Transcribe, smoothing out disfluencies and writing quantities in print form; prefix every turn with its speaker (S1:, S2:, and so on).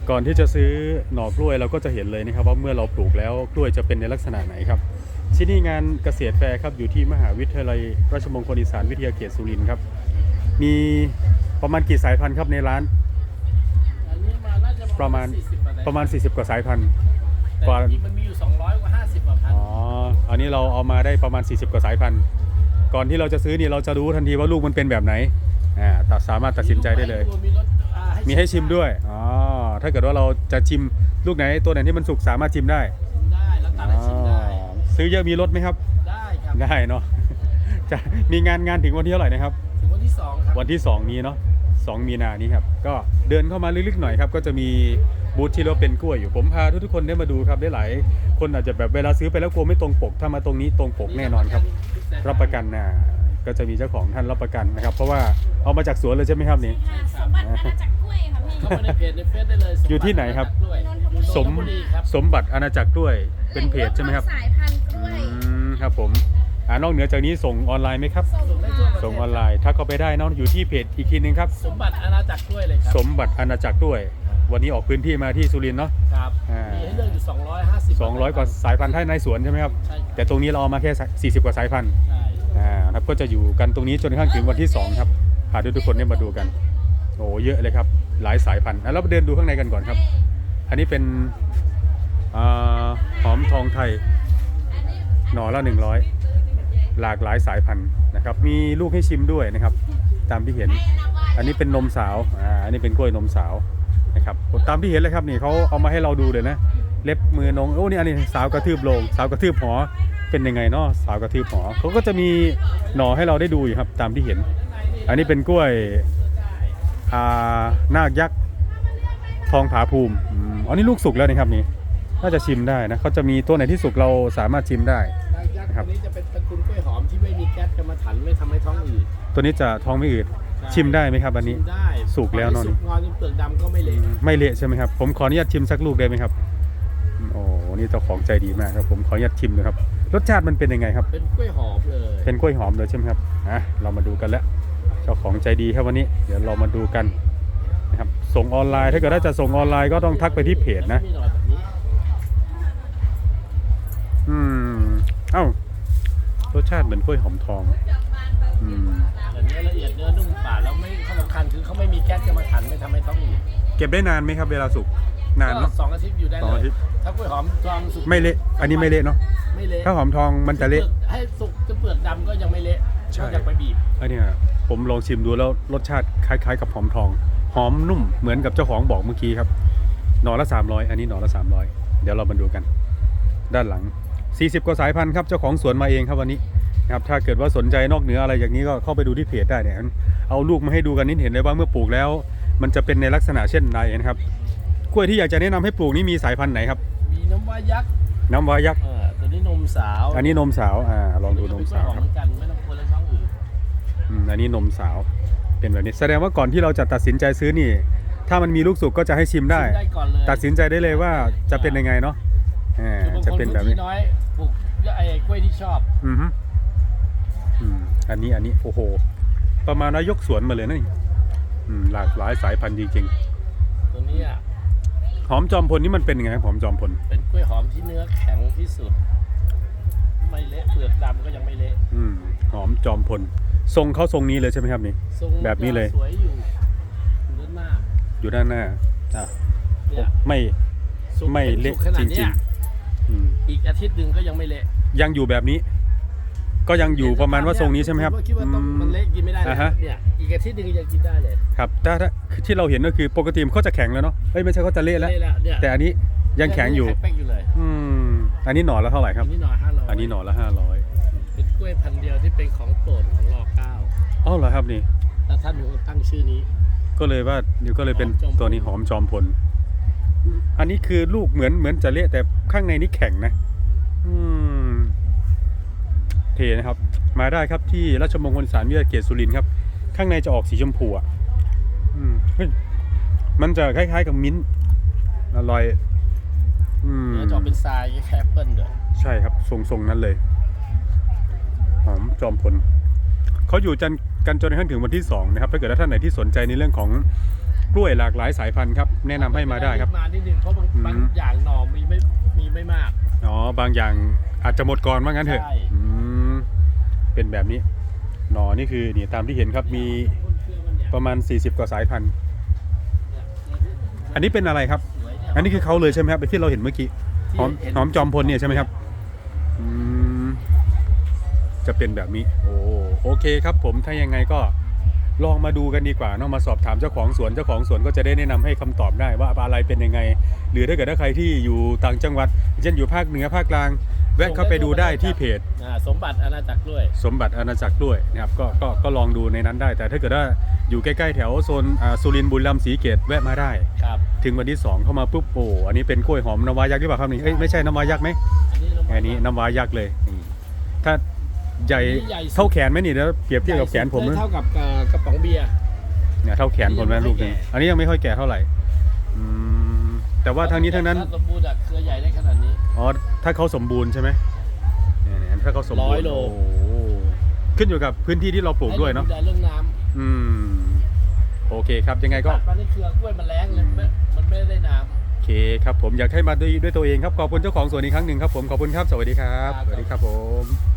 S1: ก่อนที่จะซื้อหน่อกล้วยเราก็จะเห็นเลยนะครับว่าเมื่อเราปลูกแล้วกล้วยจะเป็นในลักษณะไหนครับที่นี่งานเกษตรแฟร์ครับอยู่ที่มหาวิทยาลัยราชมงคลอีสานวิทยาเขตสุรินทร์ครับมีประมาณกี่สายพันธุ์ครับในร้าน
S2: อันนี้มาน่าจะ
S1: ประมาณ40 กว่าสายพันธุ์
S2: แต่จริงมันมีอยู่200กว่า50กว่าพัน
S1: อันนี้เราเอามาได้ประมาณ40 กว่าสายพันธุ์ก่อนที่เราจะซื้อนี่เราจะรู้ทันทีว่าลูกมันเป็นแบบไหนสามารถตัดสินใจได้เลยมีให้ชิมด้วยถ้าเกิดว่าเราจะชิมลูกไหนตัวไหนที่มันสุกสามารถชิมได้
S2: แล้วตัดให้ชิมได้
S1: ซื้อเยอะมีลดไหมครับ
S2: ได้ครับ
S1: ได้เนาะจะมีงานถึงวันที่เท่าไหร่นะครับ
S2: ถึงวันที่2ครับ
S1: วันที่2นี้เนาะ2 มีนานี้ครับก็เดินเข้ามาลึกๆหน่อยครับก็จะมีบูธที่เราเป็นกล้วยอยู่ผมพาทุกคนได้มาดูครับได้หลายคนอาจจะแบบเวลาซื้อไปแล้วกลัวไม่ตรงปกถ้ามาตรงนี้ตรงปกแน่นอนครับรับประกันนะก็จะมีเจ้าของท่านรับประกันนะครับเพราะว่าเอามาจากสวนเลยใช่ไหมครับนี่
S3: สมบัติอาณาจักรกล้วยค่ะพี่
S2: เข้ามาในเพจในเฟซได้เลย
S1: อยู่ที่ไหนครับสมบัติอาณาจักรกล้วยเป็นเพจใช่ไหมครับ
S3: สายพันธุ์กล้วย
S1: ครับผมนอกเหนือจากนี้ส่งออนไลน์ไหมครับส่งออนไลน์ถ้าเข้าไปได้นอกอยู่ที่เพจอีกทีนึงครับ
S2: สมบัติอาณาจักรกล้วยเลยครับ
S1: สมบัติอาณาจักรกล้วยวันนี้ออกพื้นที่มาที่สุรินทร์เนาะ
S2: ครับมีให้เลือกอยู่200
S1: กว่าสายพันธุ์ในสวนใช่ไหมครับ
S2: ใช่
S1: แต่ตรงนี้เราเอามาแค่40 กว่าสายพันธุ์
S2: ใช่
S1: ครับก็จะอยู่กันตรงนี้จนกระทั่งถึงวันที่2ครับพาทุกคนได้มาดูกันโอ้เยอะเลยครับหลายสายพันธุ์แล้วเดินดูข้างในกันก่อนครับอันนี้เป็นหอมทองไทยหน่อละ100หลากหลายสายพันธุ์นะครับมีลูกให้ชิมด้วยนะครับตามที่เห็นอันนี้เป็นนมสาวอันนี้เป็นกล้วยนมสาวนะครับตามที่เห็นเลยครับนี่เขาเอามาให้เราดูเลยนะเล็บมือนงโอ้นี่อันนี้สาวกระทืบโลงสาวกระทืบหอเป็นยังไงเนาะสาวกระทืบหอเขาก็จะมีหน่อให้เราได้ดูอยู่ครับตามที่เห็นอันนี้เป็นกล้วยนาคยักษ์ทองผาภูมิอันนี้ลูกสุกแล้วนะครับนี่น่าจะชิมได้นะเขาจะมีตัวไหนที่สุกเราสามารถชิมได้
S2: นะครับตัวนี้จะเป็นตระกูลกล้วยหอมที่ไม่มีแก๊สกรรมฐานไม่ทำให้ท้องอืด
S1: ตัวนี้จะท้องไม่อืดชิมได้ไหมครับอันนี้
S2: ได้
S1: สุกแล้วเนาะ
S2: สุกงอจนเปลือกดำก็ไม่เละ
S1: ไม่เละใช่ไหมครับผมขออนุญาตชิมสักลูกได้ไหมครับโอ้นี่เจ้าของใจดีมากครับผมขออนุญาตชิมนะครับรสชาติมันเป็นยังไงครับ
S2: เป็นกล้วยหอมเลย
S1: เป็นกล้วยหอมเลยใช่ไหมครับเรามาดูกันแล้วเจ้าของใจดีครับวันนี้เดี๋ยวเรามาดูกันนะครับส่งออนไลน์ถ้าเกิดว่าจะส่งออนไลน์ก็ต้องทักไปที่เพจนะรสชาติเหมือนกล้วยหอมทอง
S2: เนื้อละเอียดเนื้อนุ่มฝาดแล้วไม่ข้อสำคัญคือเขาไม่มีแก๊สกรรมฐานไม่ทำให้ท้องอืด
S1: เก็บได้นานไหมครับเวลาสุกนานเนาะ
S2: 2 อาทิตย์อยู่ได้เลยถ้ากล้วยหอมทองสุก
S1: ไม่เละอันนี้ไม่เละเนาะ
S2: ไม่เละ
S1: ถ้าหอมทองมันจะเละ
S2: ให้สุกจะเปลือกดำก็ยังไม่เละ
S1: ใช่
S2: อยากไปบีบ
S1: อันนี้ผมลองชิมดูแล้วรสชาติคล้ายๆกับหอมทองหอมนุ่มเหมือนกับเจ้าของบอกเมื่อกี้ครับหน่อละ300อันนี้หน่อละ300เดี๋ยวเรามาดูกันด้านหลัง40 กว่าสายพันธุ์ครับเจ้าของสวนมาเองครับวันนี้ครับถ้าเกิดว่าสนใจนอกเหนืออะไรอย่างนี้ก็เข้าไปดูที่เพจได้เนี่ยเอาลูกมาให้ดูกันนิดเห็นเลยว่าเมื่อปลูกแล้วมันจะเป็นในลักษณะเช่นใดนะครับกล้วยที่อยากจะแนะนำให้ปลูกนี่มีสายพันธุ์ไหนครับ
S2: มีน้ำว้ายักษ์ตัวนี้นมสาว
S1: อันนี้นมสาวลองดูนมสาวครับ
S2: ไม่ต้องกลัวเรื่องท้องอืด
S1: อันนี้นมสาวเป็นแบบนี้แสดงว่าก่อนที่เราจะตัดสินใจซื้อนี่ถ้ามันมีลูกสุกก็จะให้ชิมได้ตัดสินใจได้เลยว่าจะเป็นยังไงเนาะจะเป็นแบบนี้
S2: น้อยปลูกไอ้กล้วยที่ชอบ
S1: อันนี้โอ้โหประมาณว่ายกสวนมาเลยนะนี่หลากหลายสายพันธุ์จริง
S2: ๆตัวนี้
S1: หอมจอมพลนี่มันเป็นยังไงหอมจอมพล
S2: เป็นกล้วยหอมที่เนื้อแข็งที่สุดไม่เละเปลือกดำก็ยังไม่เละ
S1: หอมจอมพลทรงเขาทรงนี้เลยใช่ไหมครับนี่แบบนี้เลย
S2: สวยอยู่ด้านหน้า
S1: อยู่ด้านหน้าไม่เละจริง
S2: ๆอีกอาทิตย์หนึ่งก็ยังไม่เละ
S1: ยังอยู่แบบนี้ก็ยังอยู่ประมาณว่าทรงนี้ใช่ไหมครับ
S2: คิดว่ามันเละกินไม่ได้เนี่ยอีกอาทิตย์หนึ่งยังกินได้เลย
S1: ครับถ้าที่เราเห็นก็คือปกติเขาจะแข็งแล้วเนาะไม่ใช่เขาจะเละแล้วแต่อันนี้ยังแข็งอยู่อันนี้หน่อละเท่าไหร่ครับ
S2: อันนี้หน่อ500
S1: อันนี้หน่อละ500
S2: เป็นกล้วยพันธุ์เดียวที่เป็นของโปรดของร.9
S1: เหรอครับนี่
S2: แล้วท่านตั้งชื่อนี้
S1: ก็เลยว่าก็เลยเป็นตัวนี้หอมจอมพลอันนี้คือลูกเหมือนจะเละแต่ข้างในนี่แข็งนะเทนะครับมาได้ครับที่ราชมงคลอีสานวิทยาเขตสุรินทร์ครับข้างในจะออกสีชมพูมันจะคล้ายๆกับมิ้นท์อร่อย
S2: จะเป็นทรายแคปเปิลด้วย
S1: ใช่ครับทรงนั้นเลยหอมจอมพลเขาอยู่กันจนกระทั่งถึงวันที่2นะครับถ้าเกิดท่านไหนที่สนใจในเรื่องของกล้วยหลากหลายสายพันธุ์ครับแนะนำให้มาได้ครับ
S2: มานิดนึงเพราะบางอย่างหน่อมีไม่มาก
S1: อ๋อบางอย่างอาจจะหมดก่อนว่างั้นเถอะ
S2: ใช่
S1: เป็นแบบนี้หน่อนี่คือนี่ตามที่เห็นครับมีประมาณ40กว่าสายพันธุ์อันนี้เป็นอะไรครับอันนี้คือเขาเลยใช่ไหมครับที่เราเห็นเมื่อกี้หอมจอมพลเนี่ยใช่ไหมครับจะเป็นแบบนี้โอเคครับผมถ้ายังไงก็ลองมาดูกันดีกว่าเนาะมาสอบถามเจ้าของสวนก็จะได้แนะนำให้คำตอบได้ว่าอะไรเป็นยังไงหรือถ้าเกิดใครที่อยู่ต่างจังหวัดเช่นอยู่ภาคเหนือภาคกลางแวะเข้าไปดูได้ที่เพจ
S2: สมบัติอาณาจักรด้วย
S1: สมบัติอาณาจักรด้วยนะครับก็ลองดูในนั้นได้แต่ถ้าเกิดว่าอยู่ใกล้ๆแถวโซนสุรินทร์บุรีรัมย์ศรีเกตแวะมาได้
S2: ครับ
S1: ถึงวันที่2เข้ามาปุ๊บอันนี้เป็นกล้วยหอมน้ำว้ายักษ์หรือเปล่าครับนี่เอ้ยไม่ใช่น้ำว้ายักษ์ไหมอันนี้น้ำว้ายักษ์เลยนี่ถ้าใหญ่เท่าแขนไหมนี่แล้วเปรียบเทียบกับแขนผม
S2: เท่ากับกระป๋องเบียร์
S1: เนี่ยเท่าแขนผมนะลูกนึงอันนี้ยังไม่ค่อยแก่เท่าไหร่แต่ว่าทางนี้ทั้งนั้น
S2: ถ้าสมบูรณ์เครือใหญ่ได้ขนาดนี้
S1: อ๋อถ้าเขาสมบูรณ์ใช่ไหมเนี่ยถ้าเขาสมบูรณ์
S2: 100 โล
S1: ขึ้นอยู่กับพื้นที่ที่เราปลูกด้วยเนาะ
S2: ให้ดูแลเรื่องน้ำ
S1: โอเคครับยังไงก็
S2: ตัดมาในเครือกล้วยมันแรงเลยมันไม่ได้น้ำ
S1: โอเคครับผมอยากให้มาด้วยตัวเองครับขอบคุณเจ้าของสวนอีกครั้งหนึ่งครับผมขอบคุณครับสวัสดีครับ
S2: ครับ
S1: สวัสดีครับผม